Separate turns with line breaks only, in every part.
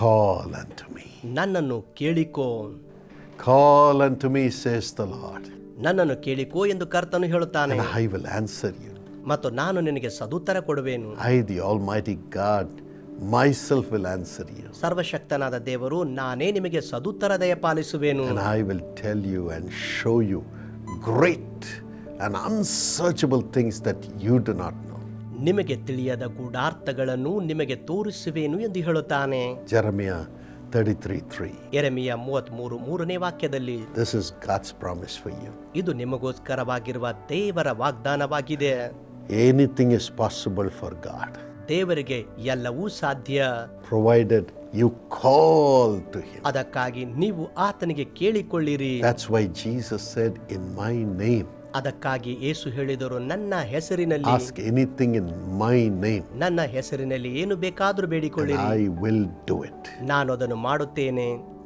Call unto me.
ನನ್ನನ್ನು ಕೇಳಿಕೋ.
Call unto me, says the Lord,
ನನ್ನನ್ನು ಕೇಳಿಕೋ ಎಂದು ಕರ್ತನು ಹೇಳುತ್ತಾನೆ.
and I will answer you.
ಮತ್ತು ನಾನು ನಿನಗೆ ಸದುತ್ತರ ಕೊಡುವೆನು.
I, the Almighty God, myself will answer you.
ಸರ್ವಶಕ್ತನಾದ ದೇವರು ನಾನೇ ನಿಮಗೆ ಸದುತ್ತರ ದಯಪಾಲಿಸುವೆನು.
And I will tell you and show you great and unsearchable things that you do not know.
ನಿಮಗೆ ತಿಳಿಯದ ಗೂಢಾರ್ಥಗಳನ್ನು ನಿಮಗೆ ತೋರಿಸುವೆನು ಎಂದು ಹೇಳುತ್ತಾನೆ.
Jeremiah 33:3.
ಯೆರೆಮೀಯ 33:3ನೇ ವಾಕ್ಯದಲ್ಲಿ
This is God's promise for you.
ಇದು ನಿಮಗೋಸ್ಕರವಾಗಿರುವ ದೇವರ ವಾಗ್ದಾನವಾಗಿದೆ.
Anything is possible for God,
ದೇವರಿಗೆ ಎಲ್ಲವೂ ಸಾಧ್ಯ,
provided you call to Him.
ಅದಕ್ಕಾಗಿ ನೀವು ಆತನಿಗೆ ಕೇಳಿಕೊಳ್ಳಿರಿ.
That's why Jesus said, in my name,
ಅದಕ್ಕಾಗಿ ಯೇಸು ಹೇಳಿದರು, ನನ್ನ ಹೆಸರಿನಲ್ಲಿ,
ask anything in my name,
ನನ್ನ ಹೆಸರಿನಲ್ಲಿ ಏನು ಬೇಕಾದರೂ
and
ಬೇಡಿಕೊಳ್ಳಿರಿ,
I will do it.
ನಾನು ಅದನ್ನು ಮಾಡುತ್ತೇನೆ.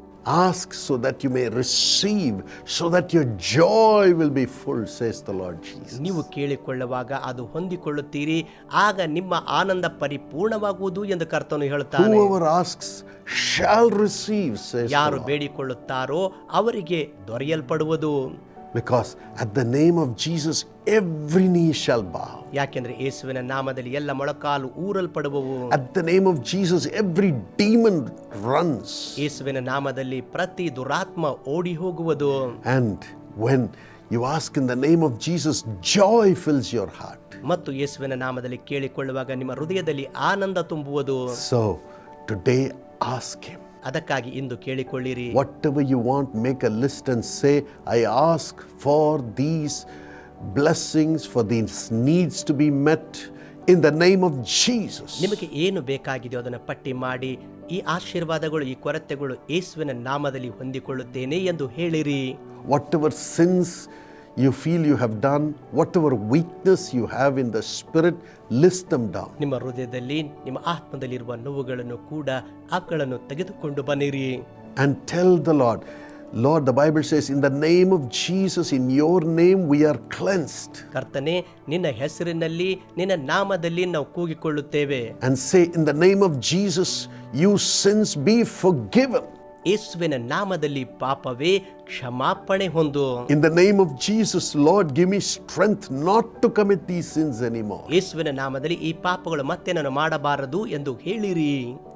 Ask so that you may receive, so that your joy will be full, says the Lord Jesus.
ನೀವು ಕೇಳಿಕೊಳ್ಳುವಾಗ ಅದು ಹೊಂದಿಕೊಳ್ಳುತ್ತೀರಿ, ಆಗ ನಿಮ್ಮ ಆನಂದ ಪರಿಪೂರ್ಣವಾಗುವುದು ಎಂದು ಕರ್ತನು ಹೇಳುತ್ತಾನೆ.
Whoever asks shall receive, says the
ಯಾರು
Lord.
ಬೇಡಿಕೊಳ್ಳುತ್ತಾರೋ ಅವರಿಗೆ ದೊರೆಯಲ್ಪಡುವುದು.
Because at the name of Jesus, every knee shall bow.
ಯಾಕೆಂದ್ರೆ ಯೇಸುವಿನ ನಾಮದಲ್ಲಿ ಎಲ್ಲ ಮೊಳಕಾಲು ಊರಲ್ಪಡುವವು.
At the name of Jesus, every demon runs.
ಯೇಸುವಿನ ನಾಮದಲ್ಲಿ ಪ್ರತಿ ದುರಾತ್ಮ ಓಡಿ ಹೋಗುವುದು.
And when you ask in the name of Jesus, joy fills your heart.
ಮತ್ತು ಯೇಸುವಿನ ನಾಮದಲ್ಲಿ ಕೇಳಿಕೊಳ್ಳುವಾಗ ನಿಮ್ಮ ಹೃದಯದಲ್ಲಿ ಆನಂದ ತುಂಬುವುದು.
So today ask Him.
ಅದಕ್ಕಾಗಿ ಇಂದು ಕೇಳಿಕೊಳ್ಳಿರಿ.
Whatever you want, make a list and say, I ask for these blessings, for these needs to be met in the name of Jesus.
ನಿಮಗೆ ಏನು ಬೇಕಾಗಿದೆಯೋ ಅದನ್ನು ಪಟ್ಟಿ ಮಾಡಿ, ಈ ಆಶೀರ್ವಾದಗಳು, ಈ ಕೊರತೆಗಳು ಯೇಸುವಿನ ನಾಮದಲ್ಲಿ ಹೊಂದಿಕೊಳ್ಳುತ್ತೇನೆ ಎಂದು ಹೇಳಿರಿ.
Whatever sins you feel you have done, whatever weakness you have in the spirit, list them down.
ನಿಮ್ಮ ಹೃದಯದಲ್ಲಿ, ನಿಮ್ಮ ಆತ್ಮದಲ್ಲಿರುವ ನೋವುಗಳನ್ನು ಕೂಡ ಅವುಗಳನ್ನು ತೆಗೆದುಕೊಂಡು ಬನ್ನಿರಿ.
And tell the Lord, Lord, the Bible says, in the name of Jesus, in your name we are cleansed.
ಕರ್ತನೇ, ನಿನ್ನ ಹೆಸರಿನಲ್ಲಿ, ನಿನ್ನ ನಾಮದಲ್ಲಿ ನಾವು ಕೂಗಿಕೊಳ್ಳುತ್ತೇವೆ.
And say, in the name of Jesus, you sins be forgiven.
ಯೇಸುವಿನ ನಾಮದಲ್ಲಿ ಪಾಪವೇ ಕ್ಷಮಾಪಣೆ ಹೊಂದು.
In the name of Jesus, Lord, give me strength not to commit these sins anymore.
ಯೇಸುವಿನ ನಾಮದಲ್ಲಿ ಈ ಪಾಪಗಳು ಮತ್ತೆ ನಾನು ಮಾಡಬಾರದು ಎಂದು ಹೇಳಿರಿ.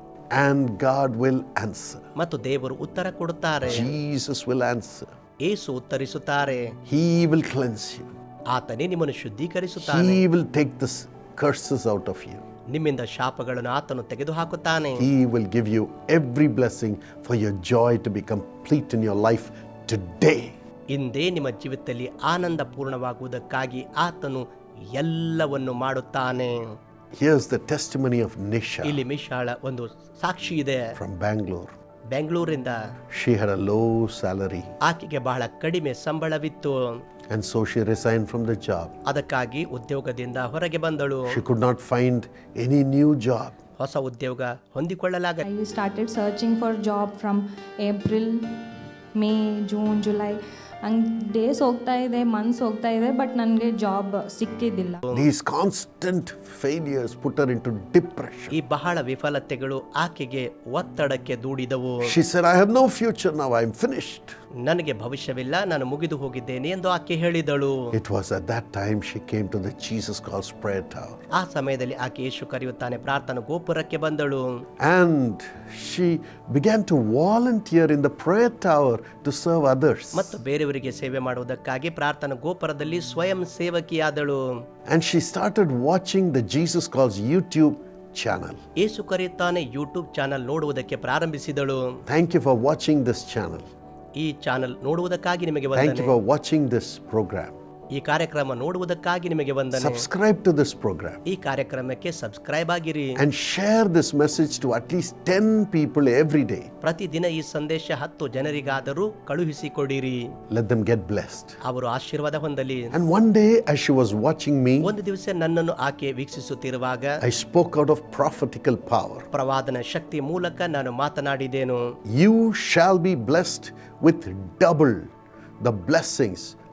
And God will answer.
ಮತ್ತು ದೇವರು ಉತ್ತರ ಕೊಡುತ್ತಾರೆ.
Jesus will answer.
Yesu ಉತ್ತರಿಸುತ್ತಾರೆ.
He will cleanse you.
ಆತನೇ ನಿಮ್ಮನ್ನು ಶುದ್ಧೀಕರಿಸುತ್ತಾನೆ.
He will take the curses out of you.
ನಿಮ್ಮಿಂದ ಶಾಪಗಳನ್ನು ಆತನು ತೆಗೆದುಹಾಕುತ್ತಾನೆ.
He will give you every blessing for your joy to be complete in your life today.
ಇಂದೇ ನಿಮ್ಮ ಜೀವಿತದಲ್ಲಿ ಆನಂದ ಪೂರ್ಣವಾಗುವುದಕ್ಕಾಗಿ ಆತನು ಎಲ್ಲವನ್ನು ಮಾಡುತ್ತಾನೆ.
Here's the testimony of Nisha
ಇಲ್ಲಿ ಮಿಶಾಳ ಒಂದು ಸಾಕ್ಷಿ ಇದೆ.
from Bangalore.
ಬೆಂಗಳೂರಿಂದ
She had a low salary,
ಆಕೆಗೆ ಬಹಳ ಕಡಿಮೆ ಸಂಬಳವಿತ್ತು.
and so she resigned from the job.
ಅದಕ್ಕಾಗಿ ಉದ್ಯೋಗದಿಂದ ಹೊರಗೆ ಬಂದಳು.
She could not find any new job.
ಹೊಸ ಉದ್ಯೋಗ ಹೊಂದಿಕೊಳ್ಳಲಾಗ
I started searching for job from April, May, June, July. ಹಂಗೆ ಡೇಸ್ ಹೋಗ್ತಾ ಇದೆ, ಮಂತ್ಸ್ ಹೋಗ್ತಾ ಇದೆ, ಬಟ್ ನನಗೆ ಜಾಬ್ ಸಿಕ್ಕಿದ್ದಿಲ್ಲ.
These constant failures put her into depression.
ಈ ಬಹಳ ವಿಫಲತೆಗಳು ಆಕೆಗೆ ಒತ್ತಡಕ್ಕೆ ದೂಡಿದವು.
She said, I have no future now, I'm finished.
ನನಗೆ ಭವಿಷ್ಯವಿಲ್ಲ, ನಾನು ಮುಗಿದು ಹೋಗಿದ್ದೇನೆ ಎಂದು ಆಕೆ ಹೇಳಿದಳು.
It was at that time she came to the Jesus Calls Prayer Tower.
ಆ ಸಮಯದಲ್ಲಿ ಆಕೆ ಯೇಸು ಕರೆಯುತ್ತಾನೆ ಪ್ರಾರ್ಥನಾ ಗೋಪುರಕ್ಕೆ ಬಂದಳು.
And she began to volunteer in the prayer tower to serve others.
ಮತ್ತು ಬೇರೆಯವರಿಗೆ ಸೇವೆ ಮಾಡುವುದಕ್ಕಾಗಿ ಪ್ರಾರ್ಥನಾ ಗೋಪುರದಲ್ಲಿ ಸ್ವಯಂ ಸೇವಕಿಯಾದಳು.
And she started watching the Jesus Calls YouTube channel.
ಯೇಸು ಕರೆಯುತ್ತಾನೆ ಯೂಟ್ಯೂಬ್ ಚಾನಲ್ ನೋಡುವುದಕ್ಕೆ ಪ್ರಾರಂಭಿಸಿದಳು.
Thank you for watching this channel.
ಈ ಚಾನಲ್ ನೋಡುವುದಕ್ಕಾಗಿ ನಿಮಗೆ
Thank you
ವಂದನೆ.
for watching this program.
ಈ ಕಾರ್ಯಕ್ರಮ ನೋಡುವುದಕ್ಕಾಗಿ ನಿಮಗೆ ವಂದನೆ.
Subscribe to this program
ಈ ಕಾರ್ಯಕ್ರಮಕ್ಕೆ ಸಬ್ಸ್ಕ್ರೈಬ್ ಆಗಿರಿ.
and share this message to at least 10 people every day.
ಪ್ರತಿದಿನ ಈ ಸಂದೇಶ 10 ಜನರಿಗಾದರೂ ಕಳುಹಿಸಿಕೊಡಿರಿ.
Let them get blessed.
ಅವರು ಆಶೀರ್ವಾದ ಹೊಂದಲಿ.
And one day as she was watching me,
ಒಂದು ದಿವಸ ನನ್ನನ್ನು ಆಕೆ ವೀಕ್ಷಿಸುತ್ತಿರುವಾಗ
I spoke out of prophetical power.
ಪ್ರವಾದನ ಶಕ್ತಿ ಮೂಲಕ ನಾನು ಮಾತನಾಡಿದೆನು.
You shall be blessed with double the blessings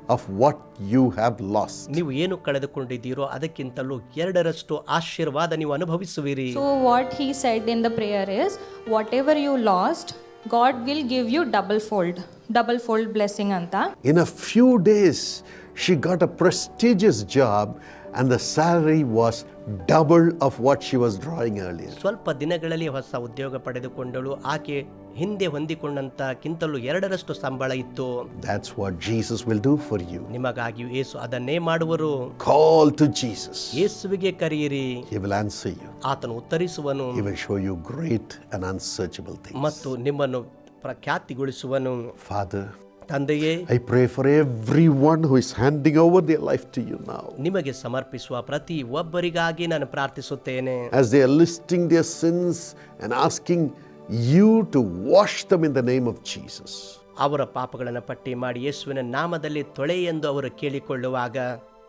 of what you have lost.
ನೀವು ಏನು ಕಳೆದುಕೊಂಡಿದ್ದೀರೋ ಅದಕ್ಕಿಂತಲೂ ಎರಡರಷ್ಟು ಆಶೀರ್ವಾದ ನೀವು ಅನುಭವಿಸುವಿರಿ.
So what he said in the prayer is, whatever you lost, God will give you double fold blessing anta.
In a few days, she got a prestigious job and the salary was double of what she was drawing earlier.
ಸ್ವಲ್ಪ ದಿನಗಳಲ್ಲಿ ಹೊಸ ಉದ್ಯೋಗ ಪಡೆದುಕೊಂಡಳು. ಆಕೆ ಹಿಂದೆ ಹೊಂದಿಕೊಂಡಂತಕ್ಕಿಂತಲೂ ಎರಡರಷ್ಟು ಸಂಬಳ ಇತ್ತು.
That's what Jesus will do for you.
ನಿಮಗಾಗಿಯೂ ಯೇಸು ಅದನ್ನೇ ಮಾಡುವರು.
Call to Jesus.
ಯೇಸುವಿಗೆ ಕರೆಯಿರಿ,
He will answer you.
ಆತನು ಉತ್ತರಿಸುವನು
He will show you great and unsearchable things.
ಮತ್ತು ನಿಮ್ಮನ್ನು ಪ್ರಖ್ಯಾತಿಗೊಳಿಸುವನು.
Father,
ತಂದೆಯೇ,
I pray for everyone who is handing over their life to you now.
ನಿಮಗೆ ಸಮರ್ಪಿಸುವ ಪ್ರತಿ ಒಬ್ಬರಿಗಾಗಿ ನಾನು ಪ್ರಾರ್ಥಿಸುತ್ತೇನೆ.
As they are listing their sins and asking you to wash them in the name of Jesus.
ಅವರ ಪಾಪಗಳನ್ನು ಪಟ್ಟಿ ಮಾಡಿ ಯೇಸುವಿನ ನಾಮದಲ್ಲಿ ತೊಳೆ ಎಂದು ಅವರು ಕೇಳಿಕೊಳ್ಳುವಾಗ,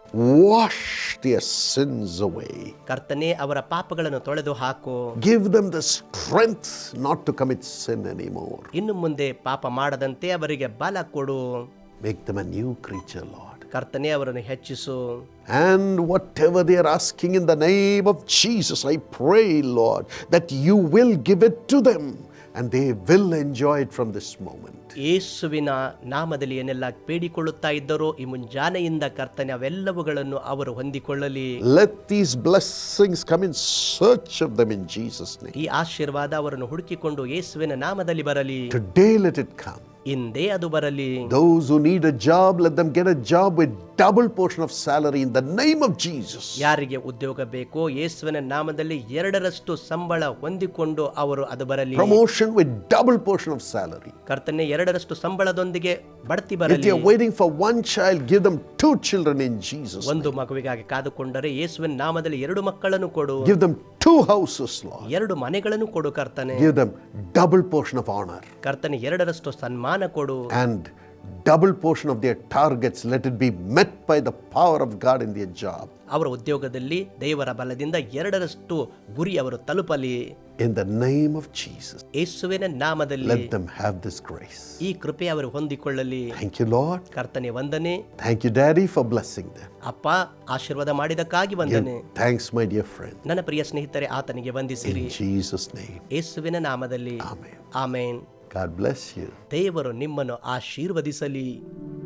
Wash their sins away.
ಕರ್ತನೇ ಅವರ ಪಾಪಗಳನ್ನು ತೊಳೆದು ಹಾಕು.
Give them the strength not to commit sin anymore.
ಇನ್ನು ಮುಂದೆ ಪಾಪ ಮಾಡದಂತೆ ಅವರಿಗೆ ಬಲ ಕೊಡು.
Make them a new creature, Lord.
ಕರ್ತನೇ ಅವರನ್ನು ಹೆಚ್ಚಿಸು.
And whatever they are asking in the name of Jesus, I pray, Lord, that you will give it to them and they will enjoy it from this moment.
ಯೇಸುವಿನ ನಾಮದಲ್ಲಿ ಏನೆಲ್ಲ ಬೇಡಿಕೊಳ್ಳುತ್ತಾ ಇದ್ದರೋ ಈ ಮುಂಜಾನೆಯಿಂದ ಕರ್ತನೆ ಅವೆಲ್ಲವುಗಳನ್ನು ಅವರು ಹೊಂದಿಕೊಳ್ಳಲಿ.
Let these blessings come in search of them in Jesus' name.
ಈ ಆಶೀರ್ವಾದ ಅವರನ್ನು ಹುಡುಕಿಕೊಂಡು ಯೇಸುವಿನ ನಾಮದಲ್ಲಿ ಬರಲಿ.
Today let it come.
ಇಂದೇ ಅದು ಬರಲಿ.
Those who need a job, let them get a job with double portion of salary in the name of Jesus.
ಯಾರಿಗೆ ಉದ್ಯೋಗ ಬೇಕೋ ಯೇಸುವಿನ ನಾಮದಲ್ಲಿ ಎರಡರಷ್ಟು ಸಂಬಳ ಹೊಂದಿಕೊಂಡು ಅವರು ಅದು ಬರಲಿ.
Promotion with double portion of salary.
ಕರ್ತನೆ ಎರಡರಷ್ಟು ಸಂಬಳದೊಂದಿಗೆ ಬಡ್ತಿ
If
ಬರಲಿ.
they are waiting for one child, give them 2 children in Jesus' name.
ಒಂದು ಮಗುವಿಗಾಗಿ ಕಾದುಕೊಂಡರೆ ಯೇಸುವಿನ ನಾಮದಲ್ಲಿ 2 ಮಕ್ಕಳನ್ನು ಕೊಡು.
Give them 2 houses, Lord.
2 ಮನೆಗಳನ್ನು ಕೊಡು ಕರ್ತನೆ.
Give them double portion of honor.
ಕರ್ತನೆ ಎರಡರಷ್ಟು ಸನ್ಮಾನ ಕೊಡು.
And double portion of their targets, let it be met by the power of God in their job.
ಅವರ ಉದ್ಯೋಗದಲ್ಲಿ ದೇವರ ಬಲದಿಂದ ಎರಡರಷ್ಟು ಗುರಿ ಅವರು ತಲುಪಲಿ.
In the name of Jesus,
ಯೇಸುವಿನ ನಾಮದಲ್ಲಿ
let them have this grace.
ಈ ಕೃಪೆ ಅವರು ಹೊಂದಿಕೊಳ್ಳಲಿ.
Thank you, Lord.
ಕರ್ತನೆ ವಂದನೆ.
Thank you, Daddy, for blessing them.
ಅಪ್ಪ ಆಶೀರ್ವಾದ ಮಾಡಿದಕ್ಕಾಗಿ ವಂದನೆ.
Give thanks, my dear friend.
ನನ್ನ ಪ್ರಿಯ ಸ್ನೇಹಿತರೆ, ಆತನಿಗೆ ವಂದಿಸಿರಿ.
In Jesus' name.
ಯೇಸುವಿನ ನಾಮದಲ್ಲಿ
Amen.
Amen.
God bless you.
ದೇವರು ನಿಮ್ಮನ್ನು ಆಶೀರ್ವದಿಸಲಿ.